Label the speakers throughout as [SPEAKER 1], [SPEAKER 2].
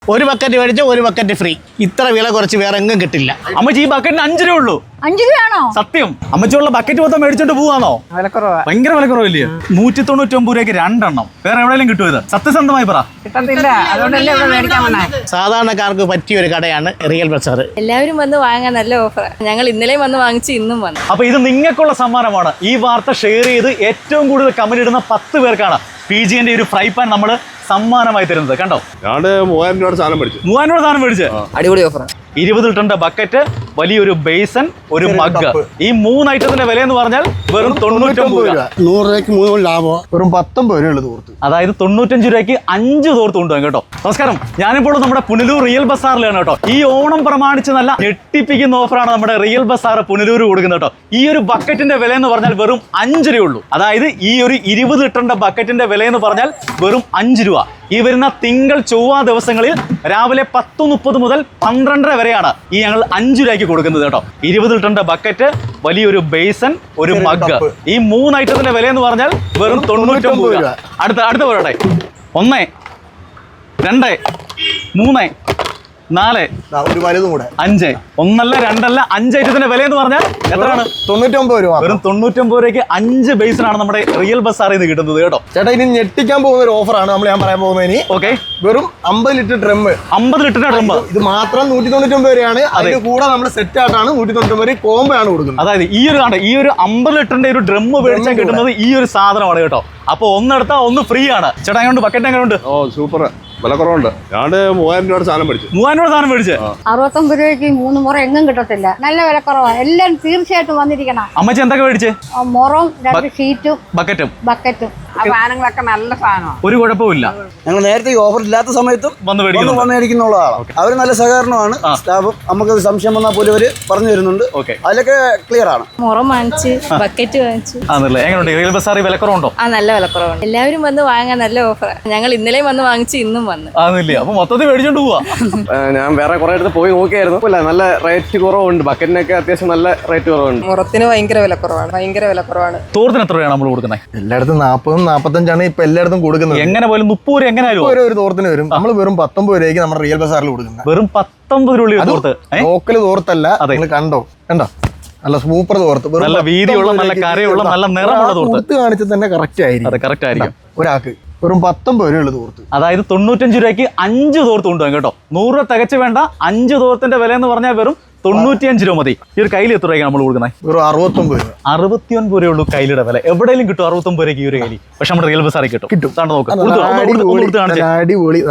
[SPEAKER 1] ഒരു ബക്കറ്റ് മേടിച്ചാൽ ഒരു ബക്കറ്റ് ഫ്രീ. ഇത്ര വില കുറച്ച് വേറെ എങ്ങും കിട്ടില്ല.
[SPEAKER 2] അമ്മച്ചി ഈ ബക്കറ്റിന് 5 രൂപ ഉള്ളൂ.
[SPEAKER 3] 5 രൂപയാണോ?
[SPEAKER 2] സത്യം. അമ്മച്ചുള്ള ബക്കറ്റ് മൊത്തം മേടിച്ചോണ്ട് പോവാന്നോ? ഭയങ്കര വിലക്കുറവില്ലേ? 199 രൂപയ്ക്ക് 2 എണ്ണം. വേറെ എവിടെയെങ്കിലും കിട്ടുമോ ഇത്? സത്യസന്ധമായി പറ.
[SPEAKER 4] കിട്ടത്തില്ല, അതുകൊണ്ടല്ലേ ഇവിടെ മേടിക്കാൻ വന്നേ.
[SPEAKER 1] സാധാരണക്കാർക്ക് പറ്റിയ ഒരു കടയാണ് റിയൽ ബസാർ.
[SPEAKER 3] എല്ലാവരും വന്ന് വാങ്ങാൻ നല്ല ഓഫർ. ഞങ്ങൾ ഇന്നലെയും വന്ന് വാങ്ങിച്ച് ഇന്നും വന്നു.
[SPEAKER 2] അപ്പൊ ഇത് നിങ്ങൾക്കുള്ള സമ്മാനമാണ്. ഈ വാർത്ത ഷെയർ ചെയ്ത് ഏറ്റവും കൂടുതൽ കമന്റ് ഇടുന്ന 10 പേർക്കാണ് PGന്റെ ഒരു ഫ്രൈ പാൻ നമ്മൾ സമ്മാനമായി തരുന്നത്. കണ്ടോ,
[SPEAKER 5] ഞാൻ 3000 രൂപയുടെ സാധനം മേടിച്ചു.
[SPEAKER 2] 3000 രൂപ സാധനം മേടിച്ച്.
[SPEAKER 4] അടിപൊളി ഓഫർ.
[SPEAKER 2] 20 ലിറ്ററിന്റെ ബക്കറ്റ്, വലിയൊരു ബേസൻ, ഒരു മഗ്. ഈ 3 ഐറ്റത്തിന്റെ വില എന്ന് പറഞ്ഞാൽ വെറും 99 രൂപ.
[SPEAKER 6] 100 രൂപയ്ക്ക് 3 ലാഭം. വെറും 19 രൂപ തോർത്ത്.
[SPEAKER 2] അതായത് 95 രൂപയ്ക്ക് 5 തോർത്ത് കൊണ്ടുപോകും കേട്ടോ. നമസ്കാരം, ഞാനിപ്പോൾ നമ്മുടെ പുനലൂർ റിയൽ ബസാറിലാണ് കേട്ടോ. ഈ ഓണം പ്രമാണിച്ച് നല്ല ഞെട്ടിപ്പിക്കുന്ന ഓഫറാണ് നമ്മുടെ റിയൽ ബസാർ പുനലൂർ കൊടുക്കുന്നത് കേട്ടോ. ഈ ഒരു ബക്കറ്റിന്റെ വില എന്ന് പറഞ്ഞാൽ വെറും 5 രൂപ ഉള്ളൂ. അതായത് ഈ ഒരു 20 ലിറ്ററിന്റെ ബക്കറ്റിന്റെ വില എന്ന് പറഞ്ഞാൽ വെറും 5 രൂപ. ഈ വരുന്ന തിങ്കൾ ചൊവ്വ ദിവസങ്ങളിൽ രാവിലെ 10:30 മുതൽ 12:30 വരെയാണ് ഈ ഞങ്ങൾ 5 രൂപയ്ക്ക് കൊടുക്കുന്നത് കേട്ടോ. 20 ലിറ്ററിന്റെ ബക്കറ്റ്, വലിയൊരു ബേസൻ, ഒരു മഗ്. ഈ 3 ഐറ്റത്തിന്റെ വില എന്ന് പറഞ്ഞാൽ വെറും 99 രൂപ. അടുത്ത പറയട്ടെ. 1, 2, 3, 4,
[SPEAKER 6] ഒരു വലുതും കൂടെ
[SPEAKER 2] 5. 1 അല്ല 2 അല്ല 5 ഐറ്റത്തിന്റെ വില എന്ന് പറഞ്ഞാൽ എത്രയാണ്?
[SPEAKER 6] 99 രൂപ.
[SPEAKER 2] വെറും 99 രൂപയ്ക്ക് 5 ബേസിനാണ് നമ്മുടെ റിയൽ ബസാറിൽ നിന്ന് കിട്ടുന്നത് കേട്ടോ.
[SPEAKER 6] ചേട്ടാ, ഇനി ഞെട്ടിക്കാൻ പോകുന്ന ഒരു ഓഫറാണ് ഞാൻ പറയാൻ പോകുന്നത്. ഇനി
[SPEAKER 2] ഓക്കെ,
[SPEAKER 6] വെറും 50 ലിറ്റർ ഡ്രം.
[SPEAKER 2] 50 ലിറ്ററിന്റെ ഡ്രം.
[SPEAKER 6] ഇത് മാത്രം 199 രൂപയാണ്. അതിന് കൂടെ നമ്മൾ സെറ്റ് ആയിട്ടാണ് 199 രൂപ കോംബോ ആണ് കൊടുക്കുന്നത്.
[SPEAKER 2] അതായത് ഈ ഒരു 50 ലിറ്ററിന്റെ ഒരു ഡ്രം മേടിച്ചാൽ കിട്ടുന്നത് ഈ ഒരു സാധനമാണ് കേട്ടോ. അപ്പൊ ഒന്നെടുത്താൽ ഒന്ന് ഫ്രീ ആണ്. ചേട്ടാ, എങ്ങനെയുണ്ട് ബക്കറ്റ്? എങ്ങനെയുണ്ട്?
[SPEAKER 5] ഓ സൂപ്പർ, വില കുറവുണ്ട്. ഞാൻ 3000 രൂപയുടെ സാധനം മേടിച്ചു.
[SPEAKER 2] 3000 രൂപ സാധനം മേടിച്ച്.
[SPEAKER 3] 69 രൂപയ്ക്ക് 3 മുറ എങ്ങും കിട്ടത്തില്ല. നല്ല വിലക്കുറവാണ്. എല്ലാരും തീർച്ചയായിട്ടും വന്നിരിക്കണം.
[SPEAKER 2] അമ്മച്ചി എന്തൊക്കെ മേടിച്ച്?
[SPEAKER 3] മുറവും 2 ഷീറ്റും
[SPEAKER 2] ബക്കറ്റും.
[SPEAKER 4] ആ സാധനങ്ങളൊക്കെ നല്ല സാധനമാണ്.
[SPEAKER 2] ഒരു കുഴപ്പമില്ല.
[SPEAKER 7] ഞങ്ങൾ നേരത്തെ ഈ ഓഫർ ഇല്ലാത്ത സമയത്തും
[SPEAKER 2] വന്ന്
[SPEAKER 7] മേടിക്കുന്നുള്ളതാണ്. അവർ നല്ല സഹകരണമാണ്. സ്റ്റാഫും നമുക്ക് സംശയം വന്നാൽ പോലും അവര് പറഞ്ഞു തരുന്നുണ്ട്. അതിലൊക്കെ ക്ലിയർ ആണ്.
[SPEAKER 3] മുറം വാങ്ങിച്ച് ബക്കറ്റ് വാങ്ങിച്ചു.
[SPEAKER 2] എങ്ങനെയുണ്ട് റിയൽ ബസാറിൽ വിലക്കുറവുണ്ടോ?
[SPEAKER 3] നല്ല വിലക്കുറവാണ്. എല്ലാവരും വന്ന് വാങ്ങാൻ നല്ല ഓഫർ. ഞങ്ങൾ ഇന്നലെയും വന്ന് വാങ്ങിച്ച് ഇന്നും വന്നു.
[SPEAKER 2] ആന്നില്ലേ? അപ്പൊ മൊത്തത്തിൽ മേടിച്ചോണ്ട് പോവാ.
[SPEAKER 8] ഞാൻ വേറെ കുറെ അടുത്ത് പോയി നോക്കിയായിരുന്നു. നല്ല റേറ്റ് കുറവുണ്ട്. ബക്കറ്റിനൊക്കെ അത്യാവശ്യം നല്ല റേറ്റ് കുറവുണ്ട്.
[SPEAKER 4] മുറത്തിന് ഭയങ്കര വിലക്കുറവാണ്.
[SPEAKER 2] തോർത്തിന് എത്ര രൂപയാണ് നമ്മൾ കൊടുക്കുന്നത്?
[SPEAKER 6] എല്ലായിടത്തും 40-45 ഇപ്പൊ എല്ലായിടത്തും കൊടുക്കുന്നത്.
[SPEAKER 2] എങ്ങനെ പോലും 30 രൂപ എങ്ങനെയാലും
[SPEAKER 6] ഒരു തോർത്തിന് വരും. നമ്മൾ വെറും 19 രൂപയ്ക്ക് നമ്മുടെ റിയൽ ബസാറിൽ കൊടുക്കുന്നത്.
[SPEAKER 2] വെറും 19 രൂപ തോർത്ത്.
[SPEAKER 6] ലോക്കൽ തോർത്തല്ല. നിങ്ങൾ കണ്ടോ നല്ല സൂപ്പർ തോർത്ത്.
[SPEAKER 2] നല്ല വീതിയുള്ള, നല്ല കരയുള്ള, നല്ല നിറമുള്ള തോർത്ത്
[SPEAKER 6] കാണിച്ചാൽ തന്നെ കറക്റ്റ് ആയിരിക്കും. ഒരാൾക്ക് വെറും 19 രൂപ തോർത്ത്.
[SPEAKER 2] അതായത് 95 രൂപയ്ക്ക് 5 തോർത്ത് കൊണ്ടുപോകും കേട്ടോ. 100 രൂപ തികച്ചു വേണ്ട. 5 തോർത്തിന്റെ വില എന്ന് പറഞ്ഞാൽ വെറും 95 രൂപ മതി. ഈ ഒരു കയ്യിൽ എത്ര രൂപയ്ക്ക് നമ്മൾ കൊടുക്കുന്നത്?
[SPEAKER 6] വെറും 69 രൂപ.
[SPEAKER 2] 69 രൂപയുള്ളൂ കയ്യിലെ വില. എവിടെയെങ്കിലും കിട്ടും 69 രൂപയ്ക്ക് ഈ ഒരു കയ്യിൽ. പക്ഷെ നമ്മുടെ റിയൽ ബസാറിൽ കിട്ടും. നോക്കാം.
[SPEAKER 6] അടിപൊളി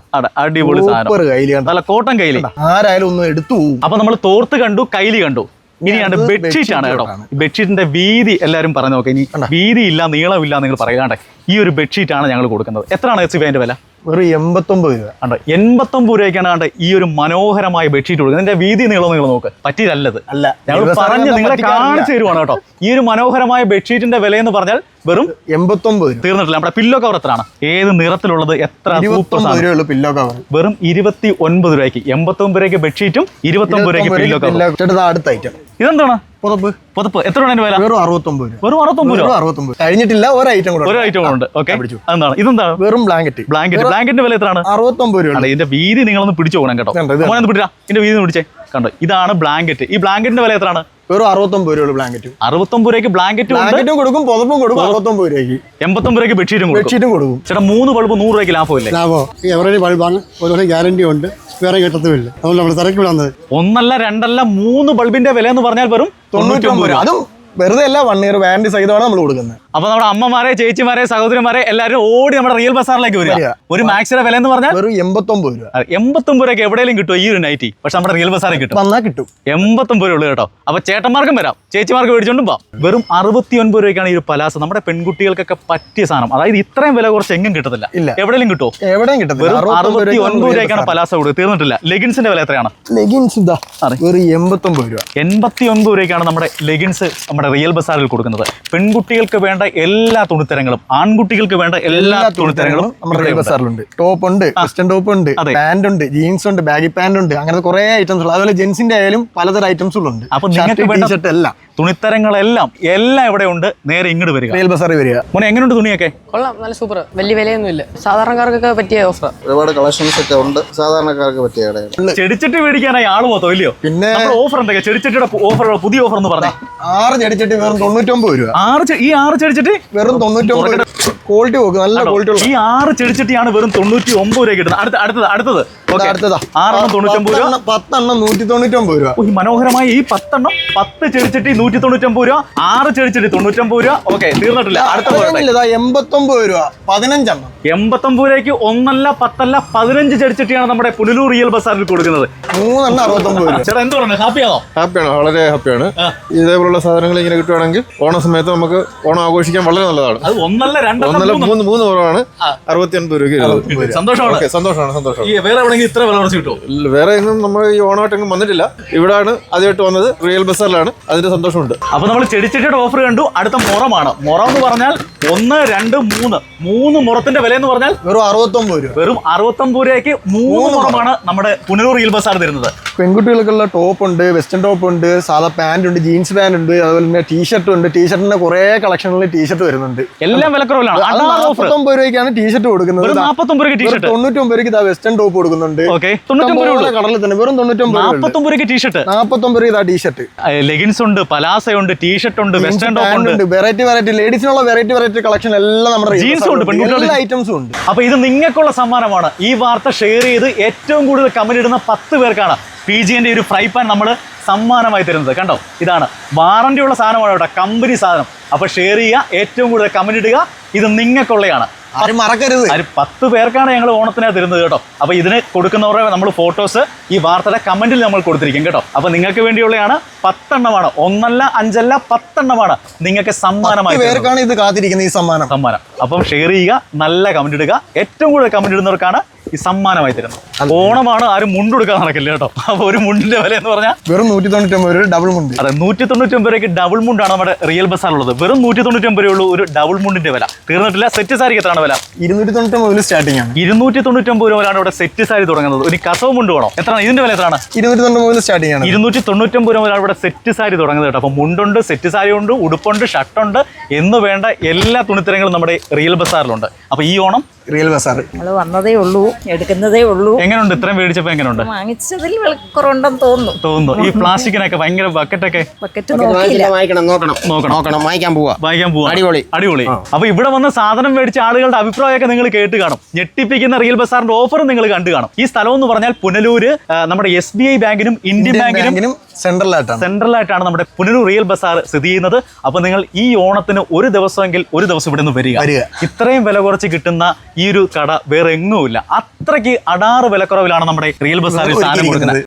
[SPEAKER 2] നല്ല കോട്ടൺ കയ്യിൽ.
[SPEAKER 6] ആരായാലും ഒന്ന് എടുത്തു പോകും.
[SPEAKER 2] അപ്പൊ നമ്മൾ തോർത്ത് കണ്ടു, കയ്യിൽ കണ്ടു. ഇനിയാണ് ബെഡ്ഷീറ്റ് ആണ് കേട്ടോ. ബെഡ്ഷീറ്റിന്റെ വീതി എല്ലാവരും പറഞ്ഞു നോക്കാം. ഇനി വീതി ഇല്ല, നീളമില്ല നിങ്ങൾ പറയാണ്ടേ. ഈ ഒരു ബെഡ്ഷീറ്റ് ആണ് ഞങ്ങൾ കൊടുക്കുന്നത്. എത്രയാണ് അതിന്റെ വില?
[SPEAKER 6] വെറും 89 രൂപ.
[SPEAKER 2] 89 രൂപയ്ക്കാണ് കണ്ട ഈ ഒരു മനോഹരമായ ബെഡ്ഷീറ്റ് കൊടുക്കുന്നത്. ഇതിന്റെ വീതി നീളം നിങ്ങൾ നോക്ക്. പറ്റിയതല്ലത്. ഞങ്ങൾ പറഞ്ഞ് നിങ്ങളെ കാണിച്ചു തരുവാണ് കേട്ടോ. ഈ ഒരു മനോഹരമായ ബെഡ്ഷീറ്റിന്റെ വില എന്ന് പറഞ്ഞാൽ വെറും
[SPEAKER 6] 89.
[SPEAKER 2] തീർന്നിട്ടില്ല. നമ്മുടെ പില്ലോ കവർ എത്രയാണ്? ഏത് നിറത്തിലുള്ളത്? എത്ര സൂപ്പർ
[SPEAKER 6] പില്ലോ കവർ.
[SPEAKER 2] വെറും 29 രൂപയ്ക്ക്. 89 രൂപയ്ക്ക് ബെഡ്ഷീറ്റും 29 രൂപയ്ക്ക് പില്ലോ കവർ.
[SPEAKER 6] അടുത്ത ഐറ്റം
[SPEAKER 2] ഇതെന്താണ്?
[SPEAKER 6] പുതപ്പ്.
[SPEAKER 2] എത്ര രൂപ വില?
[SPEAKER 6] വെറും 69 രൂപ.
[SPEAKER 2] വെറും 69 രൂപ.
[SPEAKER 6] കഴിഞ്ഞിട്ടില്ല. ഒരു ഐറ്റം
[SPEAKER 2] ഉണ്ട്. ഓക്കെ, അതെന്താണ്? ഇതെന്താണ്?
[SPEAKER 6] വെറും ബ്ലാങ്കറ്റിന്റെ
[SPEAKER 2] വില എത്രയാണ്?
[SPEAKER 6] 69 രൂപ.
[SPEAKER 2] ഇതിന്റെ വീതി നിങ്ങളൊന്ന് പിടിച്ചു പോകണം കേട്ടോ. പിടിച്ചാ ഇതിന്റെ വീതി പിടിച്ചേ. കണ്ടോ, ഇതാണ് ബ്ലാങ്കറ്റ്. ഈ ബ്ലാങ്കറ്റിന്റെ വില എത്രയാണ്?
[SPEAKER 6] വെറും 69 രൂപ ബ്ലാങ്കറ്റ്.
[SPEAKER 2] 69 രൂപയ്ക്ക് ബ്ലാങ്കറ്റും കൊടുക്കും,
[SPEAKER 6] പുതപ്പും കൊടുക്കും. 69 രൂപയ്ക്ക്.
[SPEAKER 2] 89 രൂപയ്ക്ക് ബെഡ്ഷീറ്റും കൊടുക്കും. ചേട്ടാ, 3 ബൾബ് 100 രൂപയ്ക്ക് ലാഭമില്ലേ?
[SPEAKER 6] എവറേജ് ബൾബാണ്. ഒരു ഗ്യാരണ്ടി ഉണ്ട്. വേറെ കിട്ടത്തുമില്ല. അതുകൊണ്ട് നമ്മൾ തിരക്കി വിടുന്നത്.
[SPEAKER 2] 1 അല്ല 2 അല്ല 3 ബൾബിന്റെ വില എന്ന് പറഞ്ഞാൽ വെറും 99 രൂപ.
[SPEAKER 6] അതും വെറുതെ അല്ല, 1 ഇയർ വാറന്റി സഹിതമാണ് നമ്മൾ കൊടുക്കുന്നത്.
[SPEAKER 2] അപ്പൊ നമ്മുടെ അമ്മമാരെ, ചേച്ചിമാരെ, സഹോദരിമാരെ എല്ലാവരും ഓടി നമ്മുടെ റിയൽ ബസാറിലേക്ക് വരിക. ഒരു മാക്സിയുടെ വില എന്ന് പറഞ്ഞാൽ
[SPEAKER 6] വെറും 89 രൂപ.
[SPEAKER 2] 89 രൂപയ്ക്ക് എവിടെയെങ്കിലും കിട്ടും ഈ ഒരു നൈറ്റി. പക്ഷെ നമ്മുടെ റിയൽ ബസാറിൽ കിട്ടും. 89 രൂപ ഉള്ളു കേട്ടോ. അപ്പൊ ചേട്ടന്മാർക്കും വരാം, ചേച്ചിമാർക്ക് മേടിച്ചോണ്ടും പോവാം. വെറും 69 രൂപയ്ക്കാണ് ഈ ഒരു പലാസ. നമ്മുടെ പെൺകുട്ടികൾക്കൊക്കെ പറ്റിയ സാധനം. അതായത് ഇത്രയും വില കുറച്ച് എങ്ങും കിട്ടത്തില്ല. എവിടെയെങ്കിലും കിട്ടുമോ?
[SPEAKER 6] എവിടെയും കിട്ടും.
[SPEAKER 2] വെറും 69 രൂപയ്ക്കാണ് പലാസ കൊടുക്കുക. തീർന്നിട്ടില്ല. ലെഗിൻസിന്റെ വില എത്രയാണ്?
[SPEAKER 6] ലെഗിൻസ് വെറും 89 രൂപ.
[SPEAKER 2] 89 രൂപയ്ക്കാണ് നമ്മുടെ ലെഗിൻസ് നമ്മുടെ റിയൽ ബസാറിൽ കൊടുക്കുന്നത്. പെൺകുട്ടികൾക്ക് വേണ്ട എല്ലാ തുണിത്തരങ്ങളും, ആൺകുട്ടികൾക്ക് വേണ്ട എല്ലാ തുണിത്തരങ്ങളും
[SPEAKER 6] നമ്മുടെ റിയൽ ബസാറിലുണ്ട്. ടോപ്പ് ഉണ്ട്, വെസ്റ്റേൺ ടോപ്പ് ഉണ്ട്, പാന്റ് ഉണ്ട്, ജീൻസ് ഉണ്ട്, ബാഗി പാന്റ് ഉണ്ട്. അങ്ങനത്തെ കുറെ ഐറ്റംസ് ഉണ്ട്. അതുപോലെ ജെൻസിന്റെ ആയാലും പലതരം ഐറ്റംസുകളുണ്ട്.
[SPEAKER 2] അപ്പൊ നിങ്ങൾക്ക് വേണ്ട തുണിത്തരങ്ങളെല്ലാം ഇവിടെ ഉണ്ട്. നേരെ ഇങ്ങോട്ട് വരിക.
[SPEAKER 6] റിയൽ ബസാറിൽ വരിക.
[SPEAKER 2] മോനെ എങ്ങനെയുണ്ട് തുണിയൊക്കെ?
[SPEAKER 4] കൊള്ളാം, നല്ല സൂപ്പർ. വലിയ വിലയൊന്നുമില്ല, സാധാരണക്കാർക്കൊക്കെ പറ്റിയ ഓഫർ.
[SPEAKER 7] ഒരുപാട് കളക്ഷൻസ് ഒക്കെ ഉണ്ട്, സാധാരണക്കാർക്ക് പറ്റിയ കടകൾ.
[SPEAKER 2] ചെടിച്ചട്ടി മേടിക്കാനായി ആള് മൊത്തം ഇല്ലയോ?
[SPEAKER 6] പിന്നെ
[SPEAKER 2] ഓഫർ എന്തൊക്കെ? ചെടിച്ചട്ടിയുടെ ഓഫർ, പുതിയ ഓഫർ എന്ന് പറഞ്ഞേ.
[SPEAKER 6] 6 ചെടിച്ചട്ടി വെറും 99 രൂപ.
[SPEAKER 2] ഈ 6 ചെടിച്ചട്ടി
[SPEAKER 6] വെറും 99 രൂപ. ക്വാളിറ്റി നോക്ക്, നല്ല ക്വാളിറ്റി ഉള്ള.
[SPEAKER 2] ഈ 6 ചെടിച്ചട്ടിയാണ് വെറും 99 രൂപ കിട്ടുന്നത്. അടുത്തത്
[SPEAKER 6] അടുത്തതാ
[SPEAKER 2] 6 99 രൂപ.
[SPEAKER 6] 10 എണ്ണം 199 രൂപ.
[SPEAKER 2] ഈ മനോഹരമായ ഈ 10 എണ്ണം 10 ചെടിച്ചട്ടി 199 രൂപ, 6 ചെടിച്ചട്ടി 99 രൂപ. ഓക്കെ, തീർന്നിട്ടില്ല. അടുത്ത
[SPEAKER 6] 89 രൂപ 15 എണ്ണം.
[SPEAKER 2] 89 രൂപയ്ക്ക് 1 അല്ല 10 അല്ല 15 ചെടിച്ചട്ടിയാണ് നമ്മുടെ പുനലൂർ റിയൽ ബസാറിൽ കൊടുക്കുന്നത്.
[SPEAKER 6] 3 എണ്ണം 69 രൂപ.
[SPEAKER 2] ചേട്ടാ എന്ത് പറഞ്ഞു? ഹാപ്പിയാണോ?
[SPEAKER 5] ഹാപ്പിയാണ്, വളരെ ഹാപ്പിയാണ്. ഇതേപോലുള്ള സാധനങ്ങൾ ഇങ്ങനെ കിട്ടുവാണെങ്കിൽ ഓണ സമയത്ത് നമുക്ക് ഓണം ആഘോഷിക്കാൻ വളരെ നല്ലതാണ്.
[SPEAKER 2] അത് 1 അല്ല 2
[SPEAKER 5] ഒന്നല്ല 3 കുറവാണ്. 69 രൂപയ്ക്ക്
[SPEAKER 2] സന്തോഷമാണ്.
[SPEAKER 5] സന്തോഷമാണ്.
[SPEAKER 2] വേറെ എവിടെയെങ്കിലും ഇത്ര വില കുറച്ച് കിട്ടുമോ?
[SPEAKER 5] വേറെ എങ്ങും നമ്മൾ ഈ ഓണമായിട്ടെങ്കിലും വന്നിട്ടില്ല. ഇവിടാണ് ആദ്യമായിട്ട് വന്നത്, റിയൽ ബസാറിലാണ്. അതിന്റെ സന്തോഷമുണ്ട്.
[SPEAKER 2] അപ്പൊ നമ്മൾ ചെടിച്ചട്ടിയുടെ ഓഫർ കണ്ടു. അടുത്ത മുറമാണ്. മുറം എന്ന് പറഞ്ഞാൽ 1, 2, 3 മുറത്തിന്റെ വില എന്ന് പറഞ്ഞാൽ
[SPEAKER 6] വെറും 69 രൂപ.
[SPEAKER 2] വെറും 69 രൂപയ്ക്ക് 3 മുറമാണ് നമ്മുടെ പുനലൂർ റിയൽ ബസാർ തരുന്നത്.
[SPEAKER 6] പെൺകുട്ടികൾക്കുള്ള ടോപ്പ് ഉണ്ട്, വെസ്റ്റേൺ ടോപ്പ് ഉണ്ട്, സാധാ പാന്റ് ഉണ്ട്, ജീൻസ് പാന്റ് ഉണ്ട്, അതുപോലെ തന്നെ ടീഷർട്ട് ഉണ്ട്. ടീഷർട്ടിന്റെ കുറെ കളക്ഷനിൽ ടീഷർട്ട് വരുന്നുണ്ട്.
[SPEAKER 2] എല്ലാം വിലക്കുറവിലാണ്.
[SPEAKER 6] 49 രൂപയ്ക്കാണ് ടീഷർട്ട് കൊടുക്കുന്നത്.
[SPEAKER 2] 49 രൂപയ്ക്ക് ടീഷർട്ട്.
[SPEAKER 6] 99 രൂപയ്ക്ക് വെസ്റ്റേൺ ടോപ്പ് കൊടുക്കുന്നുണ്ട്. കടലിൽ തന്നെ വെറും
[SPEAKER 2] 49 രൂപയ്ക്ക് ടീഷർട്ട്.
[SPEAKER 6] 49 രൂപ ടീഷർട്ട്.
[SPEAKER 2] ലെഗിൻസ് ഉണ്ട്, പലാസ ഉണ്ട്, ടീഷർട്ട് ഉണ്ട്, വെസ്റ്റേൺ ടോപ്പ് ഉണ്ട്.
[SPEAKER 6] വെറൈറ്റി ലേഡീസിനുള്ള വെറൈറ്റി കളക്ഷൻ എല്ലാം നമ്മുടെ
[SPEAKER 2] ജീൻസും ഉണ്ട്, പെൺകുട്ടികളുടെ
[SPEAKER 6] എല്ലാ ഐറ്റംസും ഉണ്ട്.
[SPEAKER 2] അപ്പൊ ഇത് നിങ്ങൾക്കുള്ള സമ്മാനമാണ്. ഈ വാർത്ത ഷെയർ ചെയ്ത് ഏറ്റവും കൂടുതൽ കമന്റ് ഇടുന്ന 10 പേർക്കാണ് PGന്റെ ഒരു ഫ്രൈ പാൻ നമ്മൾ സമ്മാനമായി തരുന്നത്. കണ്ടോ, ഇതാണ് വാറന്റി ഉള്ള സാധനമാണ് കേട്ടോ, കമ്പനി സാധനം. അപ്പൊ ഷെയർ ചെയ്യുക, ഏറ്റവും കൂടുതൽ കമന്റ് ഇടുക. ഇത് നിങ്ങൾക്കുള്ളതാണ്.
[SPEAKER 6] ആരും മറക്കരുത്.
[SPEAKER 2] 10 പേർക്കാണ് ഞങ്ങൾ ഓണത്തിനാ തരുന്നത് കേട്ടോ. അപ്പൊ ഇതിന് കൊടുക്കുന്നവരുടെ നമ്മൾ ഫോട്ടോസ് ഈ വാർത്തയുടെ കമന്റിൽ നമ്മൾ കൊടുത്തിരിക്കും കേട്ടോ. അപ്പൊ നിങ്ങൾക്ക് വേണ്ടിയുള്ളതാണ്. 10 എണ്ണമാണ്, 1 അല്ല 5 അല്ല 10 എണ്ണമാണ് നിങ്ങൾക്ക് സമ്മാനമായി.
[SPEAKER 6] പേർക്കാണ് ഇത് കാത്തിരിക്കുന്നത്, ഈ സമ്മാനം.
[SPEAKER 2] അപ്പം ഷെയർ ചെയ്യുക, നല്ല കമന്റ് ഇടുക. ഏറ്റവും കൂടുതൽ കമന്റ് ഇടുന്നവർക്കാണ് ഈ സമ്മാനമായി തരുന്നത്. ഓണമാണ്, ആരും മുണ്ടെടുക്കാൻ നടക്കില്ല കേട്ടോ. അപ്പൊ ഒരു മുണ്ടിന്റെ വില എന്ന് പറഞ്ഞാൽ
[SPEAKER 6] വെറും 199 രൂപ ഡബിൾ മുണ്ട്.
[SPEAKER 2] അതെ, 199 രൂപയ്ക്ക് ഡബിൾ മുണ്ടാണ് നമ്മുടെ റിയൽ ബസാറുള്ളത്. വെറും 199 രൂപയുള്ള ഒരു ഡബിൾ മുണ്ടിന്റെ വില. തീർന്നിട്ടില്ല. സെറ്റ് സാരിക്ക് എത്രയാണ് വില?
[SPEAKER 6] 299 മുതൽ സ്റ്റാർട്ടിംഗ് ആണ്.
[SPEAKER 2] 299 രൂപ മുതലാണ് ഇവിടെ സെറ്റ് സാരി തുടങ്ങുന്നത്. ഒരു കസവ് മുണ്ട് വേണോ? എത്രയാണ് ഇതിന്റെ വില? എത്രയാണ്?
[SPEAKER 6] 299 മുതൽ സ്റ്റാർട്ടിംഗ് ആണ്.
[SPEAKER 2] 299 രൂപ മുതലാണ് ഇവിടെ സെറ്റ് സാരി തുടങ്ങുന്നത് കേട്ടോ. അപ്പൊ മുണ്ടുണ്ട്, സെറ്റ് സാരി ഉണ്ട്, ഉടുപ്പുണ്ട്, ഷർട്ടുണ്ട് എന്ന് വേണ്ട എല്ലാ തുണിത്തരങ്ങളും നമ്മുടെ റിയൽ ബസാറിലുണ്ട്. അപ്പൊ ഈ ഓണം
[SPEAKER 6] റിയൽ ബസാർ
[SPEAKER 9] നമ്മൾ വന്നതേ ഉള്ളൂ, എടുക്കുന്നതേ ഉള്ളൂ.
[SPEAKER 2] എങ്ങനെയുണ്ട്? ഇത്രയും മേടിച്ചപ്പോ എങ്ങനെയുണ്ട്?
[SPEAKER 9] വാങ്ങിച്ചതിൽ വിലക്കുറവുണ്ടെന്ന് തോന്നുന്നു.
[SPEAKER 2] ഈ പ്ലാസ്റ്റിക്കിനൊക്കെ ഭയങ്കര ബക്കറ്റൊക്കെ
[SPEAKER 1] നോക്കണം, വാങ്ങിക്കാൻ പോവാ.
[SPEAKER 2] അടിപൊളി. അപ്പൊ ഇവിടെ വന്ന് സാധനം മേടിച്ച ആളുകളുടെ അഭിപ്രായമൊക്കെ നിങ്ങൾ കേട്ട് കാണും. ഞെട്ടിപ്പിക്കുന്ന റിയൽ ബസാറിന്റെ ഓഫർ നിങ്ങൾ കണ്ടു കാണും. ഈ സ്ഥലം എന്ന് പറഞ്ഞാൽ പുനലൂര് നമ്മുടെ SBI ബാങ്കിനും ഇന്ത്യൻ ബാങ്കിനും സെൻട്രലായിട്ടാണ് നമ്മുടെ പുനലൂർ റിയൽ ബസാർ സ്ഥിതി ചെയ്യുന്നത്. അപ്പൊ നിങ്ങൾ ഈ ഓണത്തിന് ഒരു ദിവസം ഇവിടെ നിന്ന് വരിക. ഇത്രയും വില കുറച്ച് കിട്ടുന്ന ഈ ഒരു കട വേറെ എങ്ങുമില്ല. അത്രയ്ക്ക് അടാറ് വിലക്കുറവിലാണ് നമ്മുടെ റിയൽ ബസാറിൽ സാധനം കൊടുക്കുന്നത്.